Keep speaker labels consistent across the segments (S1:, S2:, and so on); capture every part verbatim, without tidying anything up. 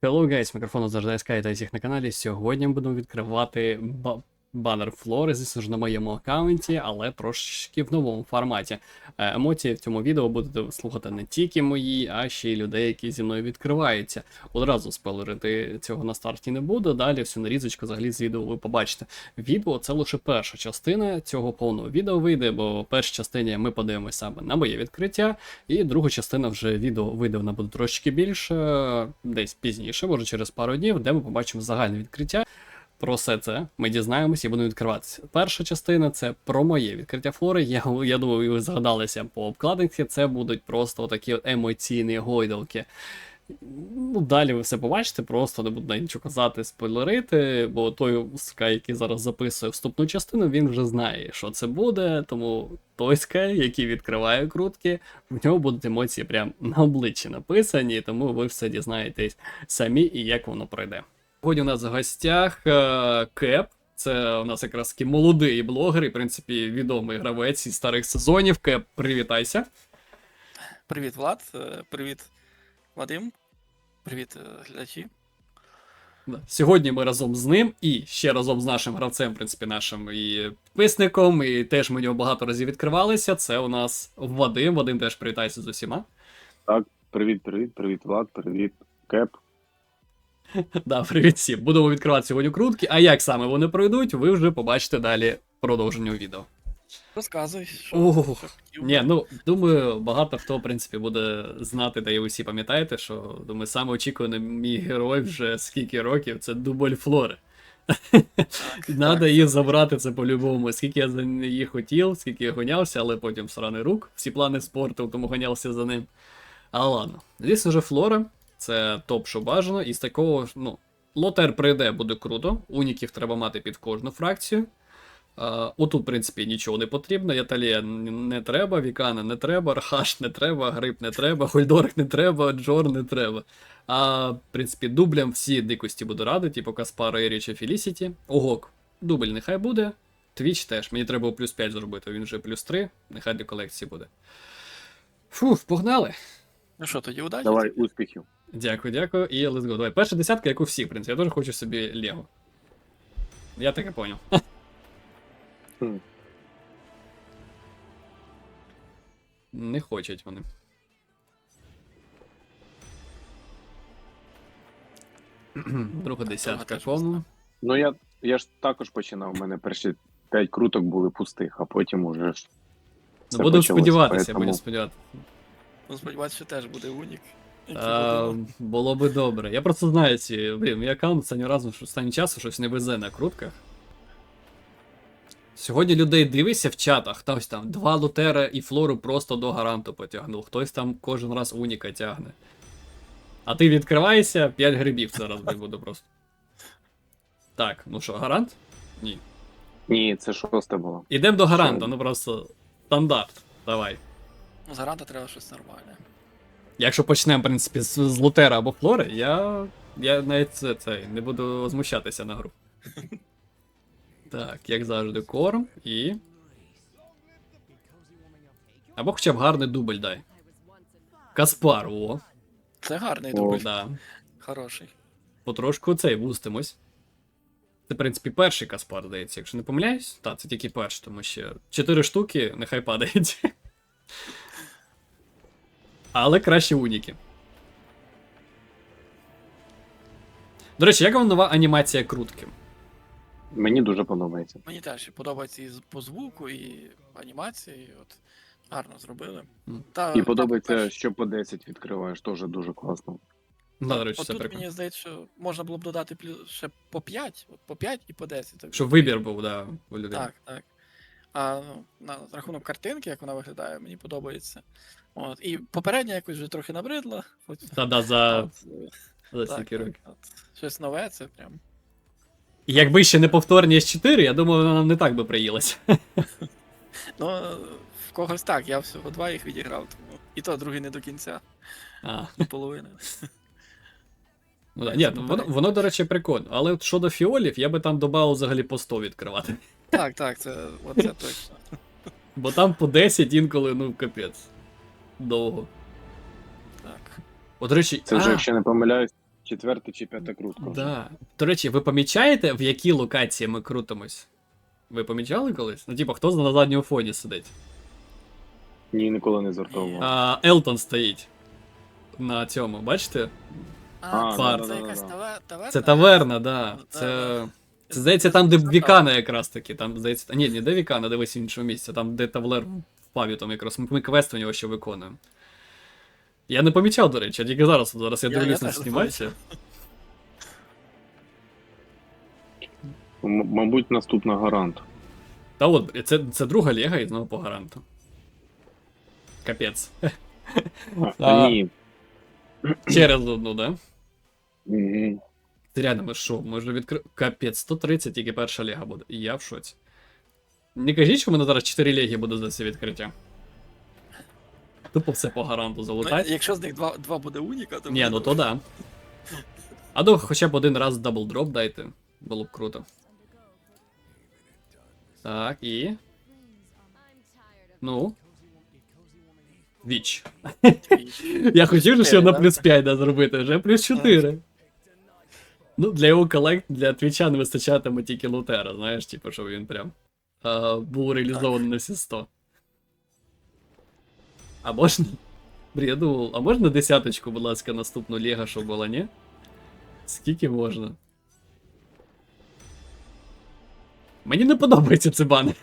S1: Hello guys, мікрофон завжди ес ка, вітаю всіх на каналі. Сьогодні ми будемо відкривати ба банер флори, звісно ж, на моєму аккаунті, але трошечки в новому форматі. Е, Емоції в цьому відео будете слухати не тільки мої, а ще й людей, які зі мною відкриваються. Одразу спойлерити цього на старті не буду, далі всю нарізочку взагалі з відео ви побачите. Відео це лише перша частина цього повного відео вийде, бо в першій частині ми подивимося саме на моє відкриття, і друга частина вже відео вийде, вона буде трошки більше, десь пізніше, може через пару днів, де ми побачимо загальне відкриття. Про все це ми дізнаємося і будемо відкриватися. Перша частина це про моє відкриття флори. Я, я думаю, ви згадалися по обкладинці, це будуть просто такі от емоційні гойдалки. Ну, далі ви все побачите, просто не буду нічого казати, спойлерити, бо той скай, який зараз записує вступну частину, він вже знає, що це буде, тому той скай, який відкриває крутки, в нього будуть емоції прямо на обличчі написані, тому ви все дізнаєтесь самі і як воно пройде. Сьогодні у нас в гостях е, Кеп, це у нас якраз такий молодий блогер і, в принципі, відомий гравець із старих сезонів. Кеп, привітайся.
S2: Привіт, Влад, е, привіт, Вадим, привіт, е, глядачі.
S1: Да. Сьогодні ми разом з ним і ще разом з нашим гравцем, в принципі, нашим і підписником, і теж ми нього багато разів відкривалися. Це у нас Вадим. Вадим, теж привітайся з усіма.
S3: Так, привіт, привіт, привіт, Влад, привіт, Кеп.
S1: Да, привіт всім. Будемо відкривати сьогодні крутки, а як саме вони пройдуть, ви вже побачите далі в продовженню відео.
S2: Розказуй, що,
S1: Ох,
S2: що хотів.
S1: Ні, ну, думаю, багато хто, в принципі, буде знати, та і ви всі пам'ятаєте, що, думаю, саме очікуваний мій герой вже скільки років, це дубль флори. Надо її забрати, це по-любому. Скільки я за її хотів, скільки я гонявся, але потім сраний рук, всі плани спорту, тому гонявся за ним. А ладно. Звісно ж, флора, це топ, що бажано, і з такого, ну, лотер прийде, буде круто, уніків треба мати під кожну фракцію. Uh, отут, в принципі, нічого не потрібно, Яталія не треба, Вікана не треба, Архаш не треба, Гриб не треба, Хольдорг не треба, Джор не треба. А, в принципі, дублям всі дикості буду радий, типу Каспара, Еріча, Фелісіті. Огок, дубль нехай буде. Твіч теж, мені треба плюс п'ять зробити, він вже плюс три, нехай для колекції буде. Фух, погнали.
S2: Ну що, тоді удачі?
S3: Давай, успіхів.
S1: Дякую, дякую, і let's go. Давай, перша десятка, як у всіх, в принципі, я теж хочу собі Лего. Я таке поняв.
S3: Хм.
S1: Не хочуть вони. Друга десятка
S2: теж
S1: кому.
S3: Ну я, я ж також починав, у мене перші п'ять круток були пустих, а потім уже ж
S1: Ну,
S3: все
S1: будемо
S3: почалось,
S1: сподіватися,
S3: поэтому-
S1: будемо сподіватися.
S2: Ну, сподіваюся, що теж буде унік. який
S1: А,
S2: буде, ну,
S1: було би добре. Я просто знаю ці, блін, мій аккаунт останнього разу, що останнім часом щось не везе на крутках. Сьогодні людей дивишся в чатах, хтось там два лутера і флору просто до гаранту потягнув, хтось там кожен раз уніка тягне. А ти відкриваєшся, п'ять грибів зараз буде просто. Так, ну що, гарант? Ні.
S3: Ні, це шосте було.
S1: Ідемо до гаранта,
S3: Що?
S1: ну просто стандарт. Давай.
S2: Ну, заранта треба щось нормальне.
S1: Якщо почнемо, в принципі, з, з лутера або флори, я. Я навіть це, це не буду змущатися на гру. Так, як завжди, корм і. Або хоча б гарний дубль дай. Каспар, о.
S2: Це гарний
S3: О.
S2: дубль,
S1: Да.
S2: хороший.
S1: Потрошку цей вустимось. Це, в принципі, перший Каспар, здається, якщо не помиляюсь. Так, це тільки перший, тому що чотири штуки нехай падають. Але краще уніки. До речі, як вам нова анімація крутки?
S3: Мені дуже подобається.
S2: Мені теж подобається і з- по звуку, і анімації, і от гарно зробили.
S1: Мгм.
S2: Та,
S3: І
S2: там
S3: подобається,
S2: перш-
S3: що по десять відкриваєш, теж дуже класно.
S1: Да, до речі,
S2: от
S1: це
S2: тут
S1: прикольно.
S2: мені здається, що можна було б додати плюс ще по п'ять, от по п'ять і по десять. Так,
S1: Щоб вибір був, да, у людей.
S2: Так, так. А ну, на рахунок картинки, як вона виглядає, мені подобається. От. І попередня якось вже трохи набридла. От,
S1: Та-да, за,
S2: от,
S1: за
S2: так,
S1: стільки
S2: так,
S1: років.
S2: от. Щось нове, це прям.
S1: І якби ще не повторні ес чотири, я думаю, вона нам не так би приїлася.
S2: Ну, в когось так, я всього два їх відіграв, тому. І то другий не до кінця,
S1: А,
S2: до половини.
S1: ну, да.
S2: Це
S1: Ні,
S2: попередньо.
S1: воно, воно, до речі, прикольно. Але от щодо фіолів, я би там додав взагалі по сто відкривати.
S2: Так, так, це, от це точно.
S1: Бо там по десять інколи, ну, капець. Довго.
S2: Так.
S1: От, до речі,
S3: Це вже,
S1: а,
S3: якщо не помиляюсь, Четверта чи п'ята крутка. вже.
S1: Да. До речі, ви помічаєте, в якій локації ми крутимось? Ви помічали колись? Ну, типу, хто на задньому фоні сидить?
S3: Ні, ніколи не звертав.
S1: А, Елтон стоїть. На цьому, бачите?
S2: А,
S3: А,
S2: це,
S1: да,
S2: це
S3: да,
S2: якась
S3: да, да.
S2: таве- таверна?
S1: Це таверна, да.
S2: Ну,
S1: Це.
S2: да.
S1: Це здається там, де Вікана якраз таки. Там, здається. Ні, не де Вікана, дивись в іншому місці. Там, де Тавлер впав, там якраз. Ми квест у нього ще виконуємо. Я не помічав, до речі, я тільки зараз, зараз я
S2: Я- я
S1: дивлюсь на
S2: теж не
S1: знімальці.
S3: М- мабуть, наступна гарант.
S1: Та от, це, це друга ліга і знову по гаранту. Капець.
S3: А,
S1: А.
S3: Ні.
S1: Через одну, да?
S3: Мгм.
S1: Ти реально, ми що, ми вже відкрили. Капець, сто тридцять тільки перша ліга буде. І я в шоці. Не кажіть, що в мене зараз чотири ліги буде за це відкриття. Тупо все по гаранту
S2: Ну,
S1: залутать.
S2: якщо з них два, два буде уніка, то
S1: Ні,
S2: буде
S1: ну то
S2: добре.
S1: да. А то хоча б один раз даблдроп дайте. Було б круто. Так, і. Ну. Віч. Я хотів же ще
S2: Чотири,
S1: на
S2: да?
S1: плюс п'ять да, зробити, вже плюс чотири. Ну, для його колект, для твіча не вистачатиме тільки лутера, знаєш, типу, щоб він прям а, був реалізований на всі сто. А можна. Блін, я думав, а можна десяточку, будь ласка, наступну Лего, щоб була, ні? Скільки можна? Мені не подобається цей банер.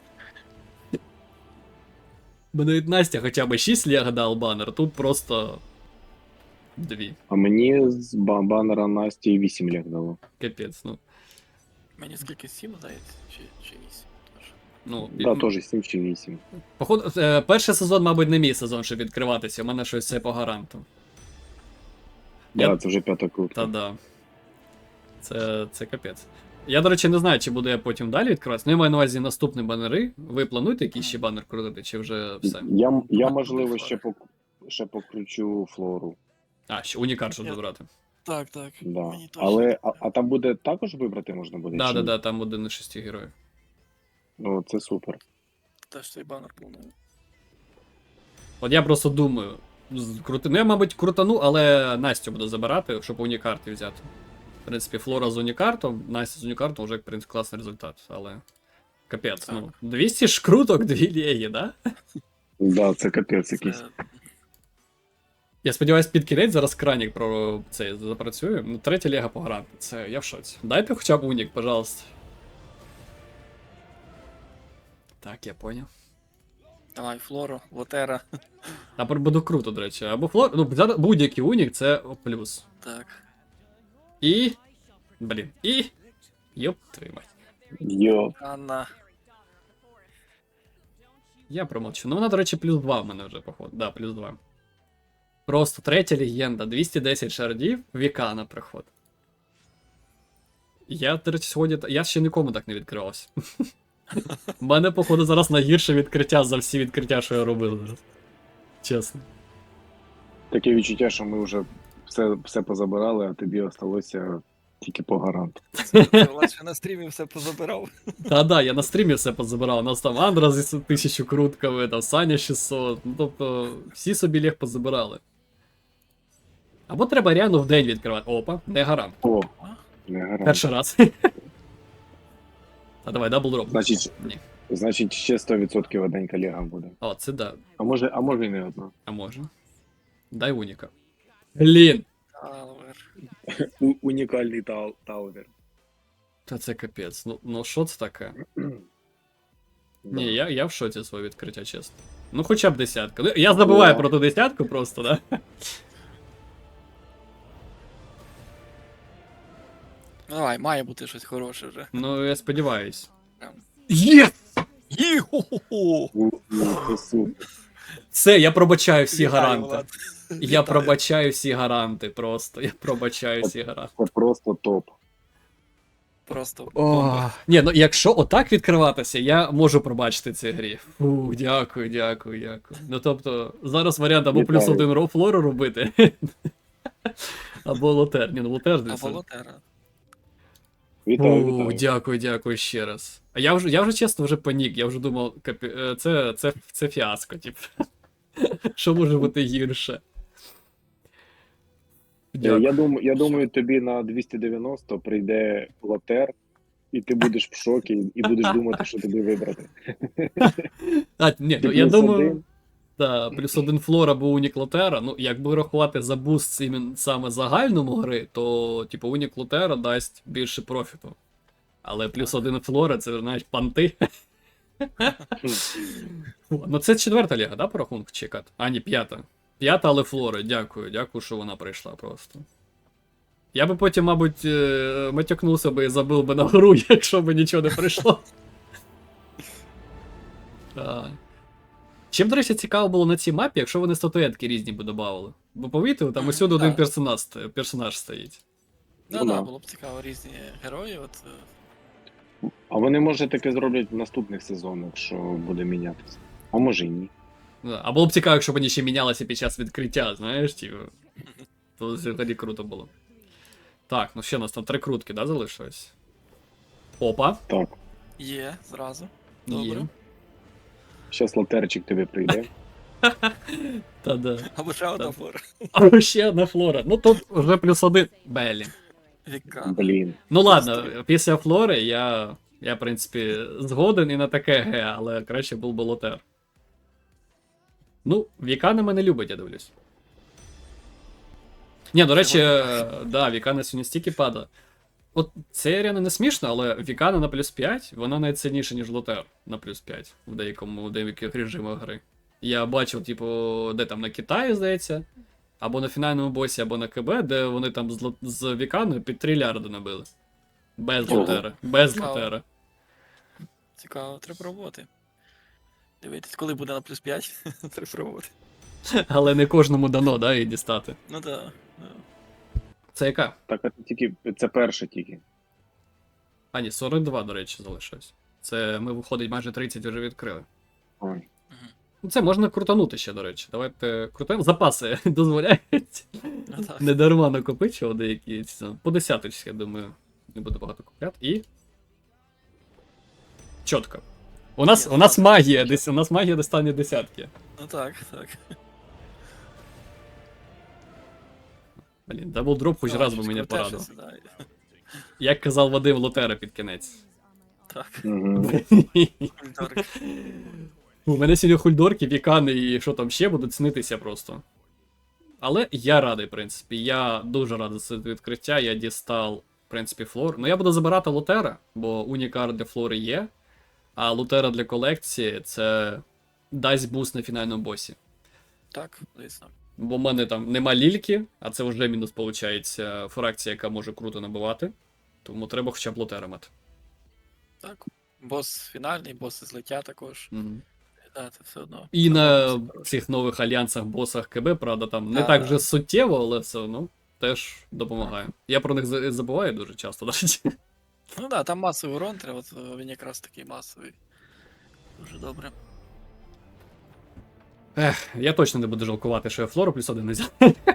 S1: Бо навіть Настя хоча б шість Лего дав банер, тут просто дві.
S3: А мені з ба- банера Насті вісім ліг дало.
S1: Капець, ну.
S2: Мені скільки сім, здається, чи, чи вісім. Тож.
S1: ну
S3: Да, теж сім чи вісім.
S1: Походу, е, перший сезон, мабуть, не мій сезон, щоб відкриватися. У мене щось все по гаранту. Я-
S3: Да, це вже п'ята крутка.
S1: Та да. Це, це капець. Я, до речі, не знаю, чи буду я потім далі відкриватися. Ну, я маю на увазі наступні банери. Ви плануєте якийсь ще банер крутити, чи вже все?
S3: Я, я
S2: Ну,
S3: можливо,
S2: буде
S3: ще, пок... ще покручу флору.
S1: А, ще унікар, щоб
S2: Я-
S1: забрати.
S2: Так, так.
S3: Да.
S2: Мені точно
S3: Але
S2: так.
S3: а, а там буде також вибрати можна буде?
S1: Да,
S3: чи
S1: да,
S3: ні?
S1: да, там один із шести героїв.
S3: О, це супер.
S2: Теж цей банер планую.
S1: От я просто думаю, з- крути... ну я, мабуть, крутану, але Настю буду забирати, щоб унікарти взяти. В принципі, Флора з унікартом, Настя з унікартом вже, в принципі, класний результат, але. Капець,
S2: Так.
S1: ну. двісті ж круток, дві лєї, да?
S3: Да, це капець якийсь.
S2: Це
S1: Я сподіваюся, під кінець зараз кранік про це запрацює. Ну, третя ліга по гаранту. Це я в шоці. Дайте хоча б унік, пожалуйста. Так, я поняв.
S2: Давай, Флору, Лотера.
S1: Тепер буде круто, до речі. Або флор. Ну, зараз будь-який унік це плюс.
S2: Так.
S1: І. Блін. І. Йоп, твою мать.
S3: Йо.
S2: Анна.
S1: Я промовчу. Ну, вона, до речі, плюс два в мене вже, походу. Да, плюс два. Просто третя легенда. двісті десять шардів, Вікана приход. Я, до речі, сьогодні. Я ще нікому так не відкривався. У мене, походу, зараз найгірше відкриття за всі відкриття, що я робив зараз. Чесно.
S3: Таке відчуття, що ми вже все, все позабирали, а тобі осталося тільки по гаранту.
S2: Це Влад ще на стрімі все позабирав.
S1: Та да, я на стрімі все позабирав. У нас там Андра з тисячу крутками, там Саня шістсот. Ну тобто, всі собі лег позабирали. Або треба реально в день відкривати. Опа, не гарант.
S3: О, не гарант.
S1: Перший раз. А давай, дабл дроп.
S3: Значить,
S1: Ні.
S3: значить, ще сто відсотків один колега буде.
S1: О, це да.
S3: А може, а може і не одна.
S1: А може. Дай уніка. Блін.
S2: Алвер.
S3: У- унікальний тал- талвер.
S1: Та це капець. Ну, ну що це таке?
S3: Да.
S1: Ні, я, я в шоці своє відкриття, чесно. Ну хоча б десятка. Ну, я забуваю
S3: О.
S1: про ту десятку просто, да?
S2: Давай, має бути щось хороше вже.
S1: Ну, я сподіваюсь.
S2: Прям.
S1: Є!
S2: Йо-хо-хо!
S3: У- у, це супер.
S1: Все, я пробачаю всі
S2: Вітаю,
S1: гаранти.
S2: Влад.
S1: Я
S2: Вітаю.
S1: пробачаю всі гаранти просто. Я пробачаю всі гаранти.
S3: Це просто топ.
S2: Просто
S1: О,
S2: бомба.
S1: ні, ну якщо отак відкриватися, я можу пробачити цій грі. Фу, дякую, дякую, дякую. Ну тобто, зараз варіант або плюс
S3: Вітаю.
S1: один ро флору робити. Або лотер. Ні, ну лотер
S2: А
S1: десь.
S2: Волотера.
S3: Вітаю,
S1: О,
S3: вітаю.
S1: дякую, дякую ще раз. А я вже, я вже чесно вже панік, я вже думав, капі... е, це, це, це фіаско, типу. Що може бути гірше? Дякую.
S3: Я думаю, я думаю, тобі на двісті дев'яносто прийде лотер, і ти будеш в шокі, і будеш думати, що тобі вибрати.
S1: А, ні,
S3: Ти
S1: ну, я
S3: плюс
S1: думаю,
S3: один.
S1: да, плюс один флора або унік лотера. Ну, якби рахувати за буст іменно саме загальному гри, то, типу, унік лотера дасть більше профіту. Але плюс
S2: Так.
S1: один флора, це, знаєш, панти. Ну, це четверта ліга, да, по рахунку чекати? А, ні, п'ята. П'ята, але флора. Дякую, дякую, що вона прийшла просто. Я би потім, мабуть, е, матюкнувся би і забив би на гру, якщо б нічого не прийшло. А. Чим, до речі, цікаво було на цій мапі, якщо вони статуетки різні б додавали. Бо помітили, там
S2: Мгм,
S1: усюди один
S2: так.
S1: персонаж, ст- персонаж стоїть.
S2: Ну,
S3: Ну,
S2: да,
S3: да.
S2: було б цікаво різні герої. От, е,
S3: А вони, може, таке зроблять в наступних сезонах, що буде мінятися. А може і ні.
S1: Да. А було б цікаво, якщо б вони ще мінялися під час відкриття, знаєш, типу. То взагалі круто було. Так, ну ще у нас там три крутки, да, залишилось? Опа.
S3: Так.
S2: є зразу.
S1: Є.
S2: Добре.
S3: Щас лотерчик тобі прийде.
S1: Та-да.
S2: Або ще одна
S1: Так.
S2: флора.
S1: А ще одна флора. Ну тут вже плюс один. Белі.
S2: Віка.
S3: Блін.
S1: Ну ладно, після флори я, я, в принципі, згоден і на таке ге, але краще був би лотер. Ну, Вікана мене любить, я дивлюсь. Ні, до речі,
S2: Сьогодні
S1: е, да, Вікана сьогодні стільки падає. От це реально не смішно, але Вікана на плюс п'ять, вона навіть сильніша, ніж лотер на плюс п'ять в деякому, в деяких режимах гри. Я бачив, типу, де там на Китаї, здається, або на фінальному босі, або на КБ, де вони там з, ло- з Віканою під трильярди набили. Без
S3: Ого.
S1: лотера. Без
S2: Цікаво.
S1: лотера.
S2: Цікаво, треба пробувати. Дивитись, коли буде на плюс п'ять, треба пробувати.
S1: Але не кожному дано, да, її дістати.
S2: Ну так. Да.
S1: Це яка?
S3: Так, а тільки це перше тільки.
S1: А, ні, сорок два, до речі, залишилось. Це ми, виходить, майже тридцять вже відкрили.
S3: Ой.
S1: Ну, це можна крутанути ще, до речі. Давайте крутимо. Запаси дозволяють.
S2: Ну так.
S1: Не дарма накопичував деякі. ці, По десяточці, я думаю, не буду багато купляти. І. Чітко. У нас,
S2: Є,
S1: у нас
S2: так.
S1: магія, десь, у нас магія достане десятки.
S2: Ну так, так.
S1: Блін, даблдроп хоч
S2: Ну,
S1: раз би
S2: щось
S1: мене
S2: круте
S1: порадив.
S2: щось, да.
S1: Як казав Вадим Лотера під кінець.
S2: Так.
S3: Угу.
S2: Культурик.
S1: У мене сьогодні хульдорки, вікани і що там ще будуть снитися просто. Але я радий, в принципі. Я дуже радий за це відкриття. Я дістав, в принципі, флор. Ну я буду забирати лотера, бо унікар для флори є. А лотера для колекції це дасть буст на фінальному босі.
S2: Так, звісно.
S1: Бо в мене там нема лільки, а це вже мінус, виходить, фракція, яка може круто набивати. Тому треба хоча б лотера мати.
S2: Так. Бос фінальний, боси злиття також.
S1: Мгм.
S2: Да, це все одно.
S1: І
S2: Все
S1: на
S2: одно хороше.
S1: цих нових альянсах, босах КБ, правда, там не
S2: Да,
S1: так
S2: да.
S1: вже суттєво, але все одно теж допомагає. Я про них за- забуваю дуже часто, до речі.
S2: Ну так, да, там масовий урон, треба, от е, він якраз такий масовий. Дуже добре.
S1: Ех, я точно не буду жалкувати, що я флору плюс один не взяв.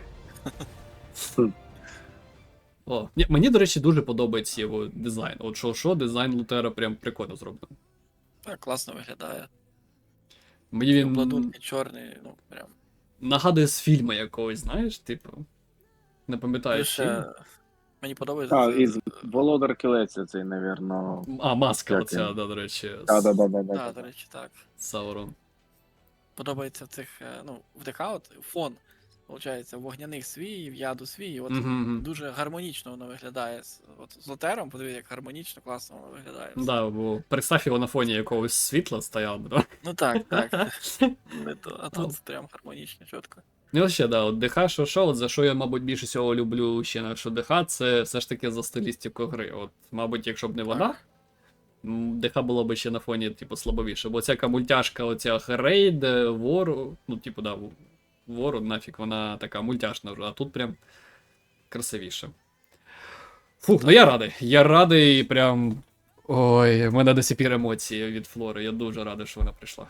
S1: О, ні, мені, до речі, дуже подобається його дизайн. От що, що, дизайн Лутера прям прикольно зроблений.
S2: Так, класно виглядає.
S1: Мені він
S2: Обладунки чорний, ну прям.
S1: нагадує з фільму якогось, знаєш, типу. Не пам'ятаю.
S2: Плюс
S1: фільм.
S2: ще мені подобається.
S3: А,
S2: це-
S3: із Володар Кілець цей, навірно.
S1: А, маска
S3: Як
S1: оця,
S3: він?
S1: да, до речі,
S3: Да,
S1: з
S3: да, да, да, да.
S2: Да, до речі, так.
S1: Саурон.
S2: Подобається в цих, е, ну, в ДК от фон, виходить, вогняних свій, в яду свій. От
S1: Мгм, мгм.
S2: дуже гармонічно воно виглядає. З- От з лотером, подивись, як гармонічно, класно воно виглядає.
S1: Да, бо представь його на фоні якогось світла стояв, да?
S2: Ну так, так. Не то, а тут прям гармонічно, чітко.
S1: Ну, ще, да, от ДХ, що що, от за що я, мабуть, більше всього люблю ще на що ДХ, це все ж таки за стилістику гри. От, мабуть, якщо б не вона,
S2: Так.
S1: м, ДХ було б ще на фоні, типу, слабовіше. Бо ця мультяшка, оця рейд, вору, ну, типу, да, вору, нафіг, вона така мультяшна вже, а тут прям красивіше. Фух, ну я радий. Я радий, прям. Ой, в мене до сих пір емоції від Флори. Я дуже радий, що вона прийшла.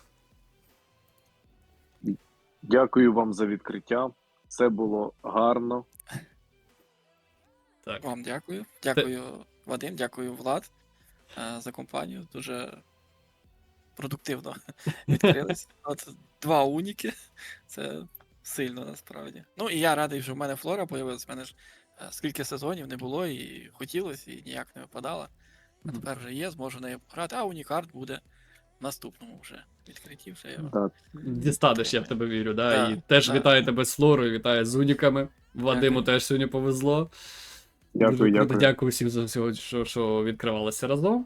S3: Дякую вам за відкриття. Це було гарно.
S1: Так.
S2: Вам дякую. Дякую, Вадим, дякую, Влад, е, за компанію. Дуже продуктивно відкрились. От два уніки. Це Сильно насправді. Ну і я радий, що в мене флора появилась. У мене ж е, скільки сезонів не було, і хотілося, і ніяк не випадало. А
S1: Мгм.
S2: тепер вже є, зможу нею пограти, а унікарт буде в наступному вже відкритті. Вже я...
S3: Так.
S1: Дістанеш, я в тебе вірю, да?
S2: Да,
S1: І теж
S2: да.
S1: вітаю тебе з Флорою, вітаю з Уніками. Вадиму
S2: Дякую.
S1: теж сьогодні повезло.
S3: Дякую,
S1: Дуже круто.
S3: дякую.
S1: Дякую всім за все, що, що відкривалося разом.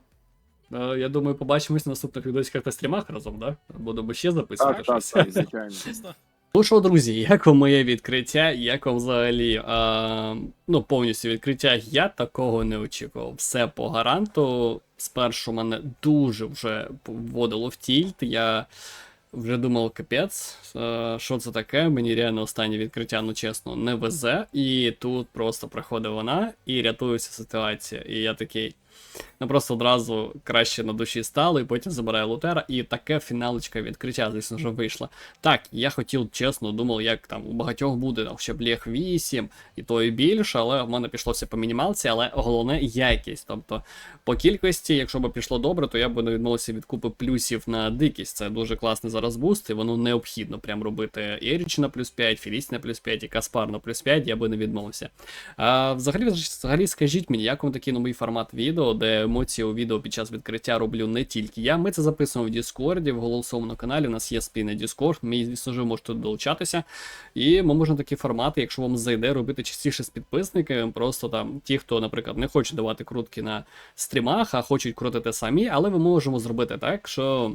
S1: Е, Я думаю, побачимось на наступних відосиках та стрімах разом, да? Будемо ще записувати
S3: Так, так,
S1: щось.
S3: так, звичайно.
S2: Звісно.
S1: Ну що, друзі, як вам моє відкриття? Як вам взагалі а, ну, повністю відкриття? Я такого не очікував. Все по гаранту. Спершу мене дуже вже вводило в тільт. Я вже думав, капець, а, що це таке? Мені реально останнє відкриття, ну чесно, не везе. І тут просто приходить вона і рятується ситуація. І я такий. Ну просто одразу краще на душі стало, і потім забираю Лутера, і таке фіналочка відкриття, звісно ж, вийшло. Так, я хотів, чесно, думав, як там у багатьох буде там, ще Блех вісім, і то і більше, але в мене пішло все по мінімалці, але головне якість. Тобто, по кількості, якщо б пішло добре, то я б не відмовився від купи плюсів на дикість. Це дуже класний зараз буст, і воно необхідно прям робити Еріч на плюс п'ять, Філіс на плюс п'ять і Каспар на плюс п'ять, я би не відмовився. А, взагалі, взагалі, скажіть мені, як вам такий новий формат відео, де емоції у відео під час відкриття роблю не тільки я. Ми це записуємо в Діскорді, в голосовому каналі. У нас є спільний Діскорд. Ми, звісно ж, можете долучатися. І ми можемо такі формати, якщо вам зайде, робити частіше з підписниками. Просто там ті, хто, наприклад, не хоче давати крутки на стрімах, а хочуть крутити самі, але ми можемо зробити так, що.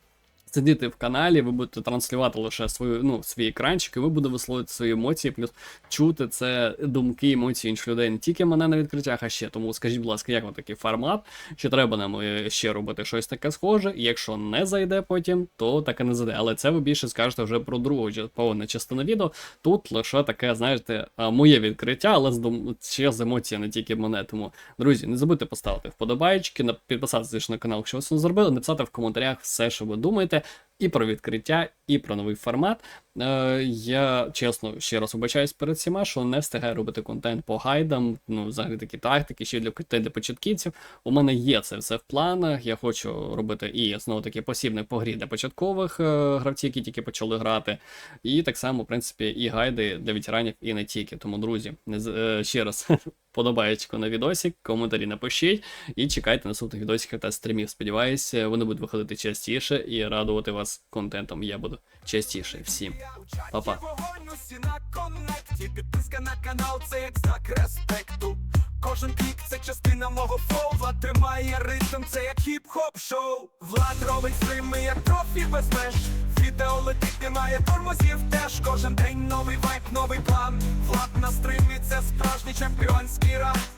S1: Сидіти в каналі, ви будете транслювати лише свою, ну, свій екранчик, і ви будете висловити свої емоції, плюс чути це думки, емоції інших людей, не тільки мене на відкриттях, а ще. Тому скажіть, будь ласка, як вам такий формат? Чи треба нам е, ще робити щось таке схоже? І якщо не зайде потім, то таке не зайде. Але це ви більше скажете вже про другу повну частину відео. Тут лише таке, знаєте, а, моє відкриття, але з дум... ще з емоції, не тільки мене. Тому, друзі, не забудьте поставити вподобайки, підписатися на канал, якщо ви це не зробили, написати в коментарях все, що ви думаєте. І про відкриття, і про новий формат. Е, я, чесно, ще раз вибачаюсь перед всіма, що не встигаю робити контент по гайдам, ну, взагалі такі тактики, ще для, для початківців. У мене є це все в планах, я хочу робити і, знову таки, посібник по грі для початкових е, гравців, які тільки почали грати, і так само, в принципі, і гайди для ветеранів, і не тільки. Тому, друзі, не, е, ще раз, подобаєчко на відосик, коментарі напишіть, і чекайте наступних відосиків та стрімів. Сподіваюся, вони будуть виходити частіше і радувати вас контентом. Я буду частіше. Всім па-па.
S4: Підписка на канал, це як знак респекту. Кожен клік це частина мого флоу. Влад тримає ритм, це як хіп-хоп шоу. Влад робить стріми, як профі без меж. Відео летить, немає тормозів теж. Кожен день новий вайб, новий план. Влад на стримі, це справжній чемпіонський раунд.